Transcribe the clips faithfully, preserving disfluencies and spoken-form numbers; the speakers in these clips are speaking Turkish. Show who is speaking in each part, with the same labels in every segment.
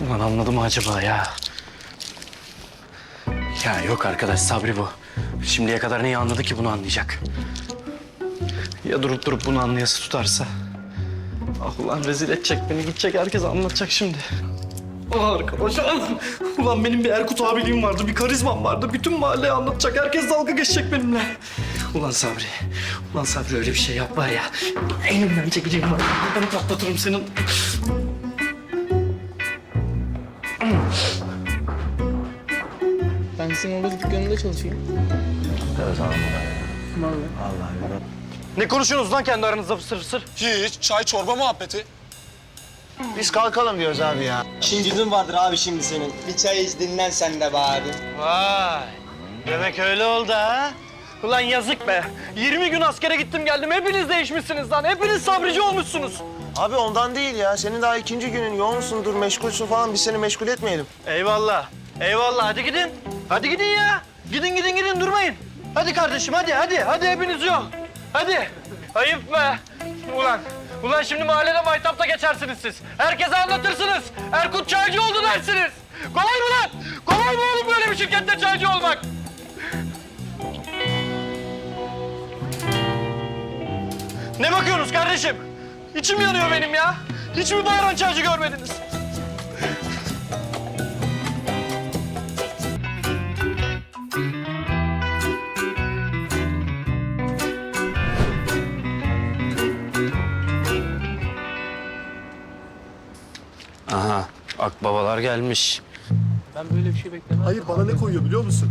Speaker 1: Ulan anladı mı acaba ya? Ya yok arkadaş, Sabri bu. Şimdiye kadar neyi anladı ki bunu anlayacak? Ya durup durup bunu anlayası tutarsa? Ah ulan rezil edecek beni, gidecek herkese anlatacak şimdi. Ah arkadaşlar, ulan benim bir Erkut abiliğim vardı, bir karizmam vardı. Bütün mahalleye anlatacak, herkes dalga geçecek benimle. Ulan Sabri, ulan Sabri öyle bir şey yap var ya. Elimden çekeceğim var, ben patlatırım senin.
Speaker 2: Ben sizin orada dükkanında çalışayım.
Speaker 1: Evet abi.
Speaker 2: Vallahi.
Speaker 1: Vallahi. Ne konuşuyorsunuz lan kendi aranızda fısır fısır?
Speaker 3: Hiç. Çay çorba muhabbeti.
Speaker 4: Biz kalkalım diyoruz abi ya.
Speaker 5: İşin vardır abi şimdi senin. Bir çay iç dinlen sen de be abi.
Speaker 1: Vay! Demek öyle oldu ha? Ulan yazık be! yirmi gün askere gittim geldim. Hepiniz değişmişsiniz lan. Hepiniz sabrici olmuşsunuz.
Speaker 4: Abi ondan değil ya. Senin daha ikinci günün yoğunsundur, meşgulsün falan. Biz seni meşgul etmeyelim.
Speaker 1: Eyvallah. Eyvallah. Hadi gidin. Hadi gidin ya. Gidin gidin gidin durmayın. Hadi kardeşim hadi hadi. Hadi hepiniz yok. Hadi. Ayıp be. Ulan. Ulan şimdi mahallede maytapta geçersiniz siz. Herkese anlatırsınız. Erkut çaycı oldu dersiniz. Kolay mı lan? Kolay mı oğlum böyle bir şirkette çaycı olmak? Ne bakıyorsunuz kardeşim? İçim yanıyor benim ya. Hiç mi bağıran çaycı görmediniz? Aha, akbabalar gelmiş.
Speaker 2: Ben böyle bir şey beklemem.
Speaker 3: Hayır, bana ne koyuyor biliyor musun?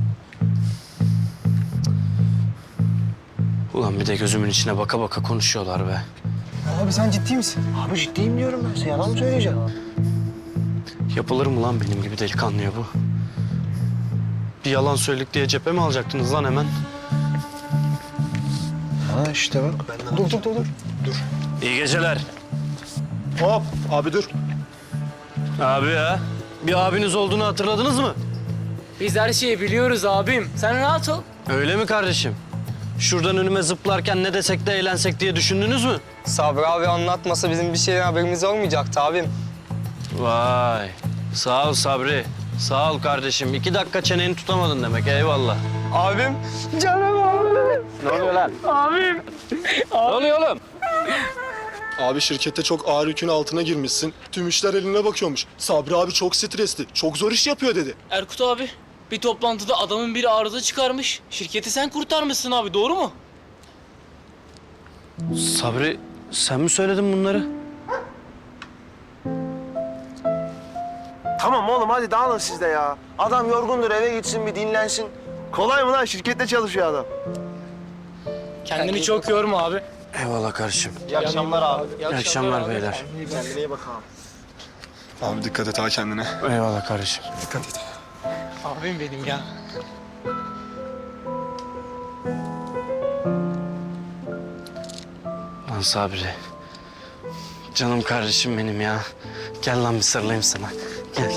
Speaker 1: Ulan bir de gözümün içine baka baka konuşuyorlar be.
Speaker 4: Abi sen ciddi misin? Abi ciddiyim diyorum ben size. Yalan mı söyleyeceğim?
Speaker 1: Yapılır mı lan benim gibi delikanlıya bu? Bir yalan söyledik diye cephe mi alacaktınız lan hemen?
Speaker 4: Ha işte bak. Ben dur, dur, dur, dur.
Speaker 1: İyi geceler.
Speaker 3: Hop, abi dur.
Speaker 1: Abi ya, bir abiniz olduğunu hatırladınız mı?
Speaker 2: Biz her şeyi biliyoruz abim. Sen rahat ol.
Speaker 1: Öyle mi kardeşim? Şuradan önüme zıplarken ne desek de eğlensek diye düşündünüz mü?
Speaker 5: Sabri abi anlatmasa bizim bir şeyden haberimiz olmayacaktı abim.
Speaker 1: Vay, sağ ol Sabri. Sağ ol kardeşim. İki dakika çeneni tutamadın demek, eyvallah.
Speaker 5: Abim, canım abim.
Speaker 1: Ne oluyor lan?
Speaker 2: Abim.
Speaker 1: Ne oluyor oğlum?
Speaker 3: Abi şirkette çok ağır yükün altına girmişsin. Tüm işler eline bakıyormuş. Sabri abi çok stresli, çok zor iş yapıyor dedi.
Speaker 2: Erkut abi, bir toplantıda adamın biri arıza çıkarmış. Şirketi sen kurtarmışsın abi, doğru mu?
Speaker 1: Sabri, sen mi söyledin bunları?
Speaker 4: Tamam oğlum hadi dağılın siz de ya. Adam yorgundur eve gitsin bir dinlensin. Kolay mı lan? Şirkette çalışıyor adam.
Speaker 2: Kendini çok yorma abi.
Speaker 1: Eyvallah kardeşim.
Speaker 4: İyi akşamlar abi.
Speaker 1: İyi akşamlar beyler.
Speaker 4: Kendine iyi bak abi.
Speaker 3: Abi dikkat et ha kendine.
Speaker 1: Eyvallah kardeşim.
Speaker 3: Dikkat et.
Speaker 2: Abim benim ya.
Speaker 1: Lan Sabri. Canım kardeşim benim ya. Gel lan bir sarılayım sana. Gel.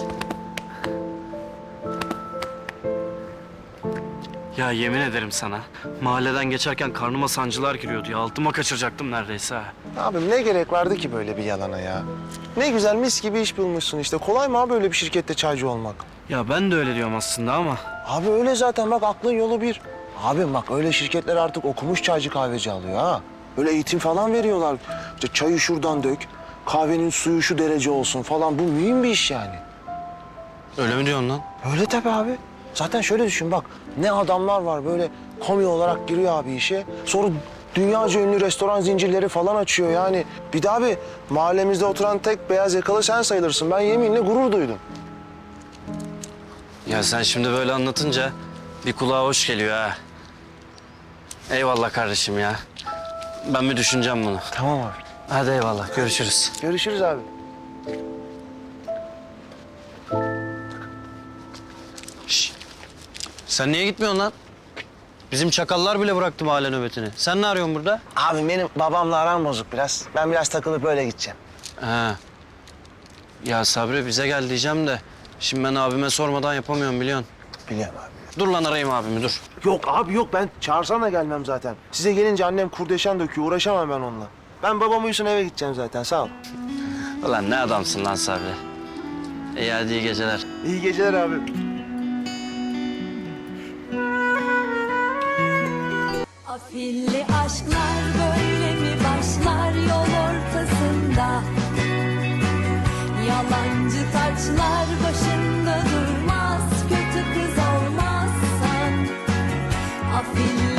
Speaker 1: Ya yemin ederim sana. Mahalleden geçerken karnıma sancılar giriyordu ya. Altıma kaçıracaktım neredeyse ha.
Speaker 4: Abim ne gerek vardı ki böyle bir yalana ya? Ne güzel mis gibi iş bulmuşsun işte. Kolay mı abi böyle bir şirkette çaycı olmak?
Speaker 1: Ya ben de öyle diyorum aslında ama.
Speaker 4: Abi öyle zaten bak aklın yolu bir. Abim bak öyle şirketler artık okumuş çaycı kahveci alıyor ha. Böyle eğitim falan veriyorlar. İşte çayı şuradan dök, kahvenin suyu şu derece olsun falan. Bu mühim bir iş yani.
Speaker 1: Öyle mi diyorsun lan?
Speaker 4: Öyle tabii abi. Zaten şöyle düşün bak ne adamlar var böyle komi olarak giriyor abi işe. Sonra dünyaca ünlü restoran zincirleri falan açıyor yani. Bir de abi mahallemizde oturan tek beyaz yakalı sen sayılırsın. Ben yeminle gurur duydum.
Speaker 1: Ya sen şimdi böyle anlatınca bir kulağa hoş geliyor ha. Eyvallah kardeşim ya. Ben bir düşüneceğim bunu.
Speaker 4: Tamam abi.
Speaker 1: Hadi eyvallah, görüşürüz.
Speaker 4: Görüşürüz abi.
Speaker 1: Şş. Sen niye gitmiyorsun lan? Bizim çakallar bile bıraktı mahalle nöbetini. Sen ne arıyorsun burada?
Speaker 4: Abi benim babamla aram bozuk biraz. Ben biraz takılıp öyle gideceğim.
Speaker 1: Ha. Ya Sabri bize gel diyeceğim de... Şimdi ben abime sormadan yapamıyorum biliyorsun.
Speaker 4: Biliyorum abi.
Speaker 1: Dur lan arayayım abimi dur.
Speaker 4: Yok abi yok ben çağırsan da gelmem zaten. Size gelince annem kurdeşen döküyor uğraşamam ben onunla. Ben babam uyusun eve gideceğim zaten sağ ol.
Speaker 1: Ulan ne adamsın lan Sabri. İyi hadi iyi geceler.
Speaker 4: İyi geceler abi.
Speaker 6: Afilli aşklar böyle mi başlar yol ortasında? Yalancı taçlar başında durmaz, kötü kız olmazsan. Afilli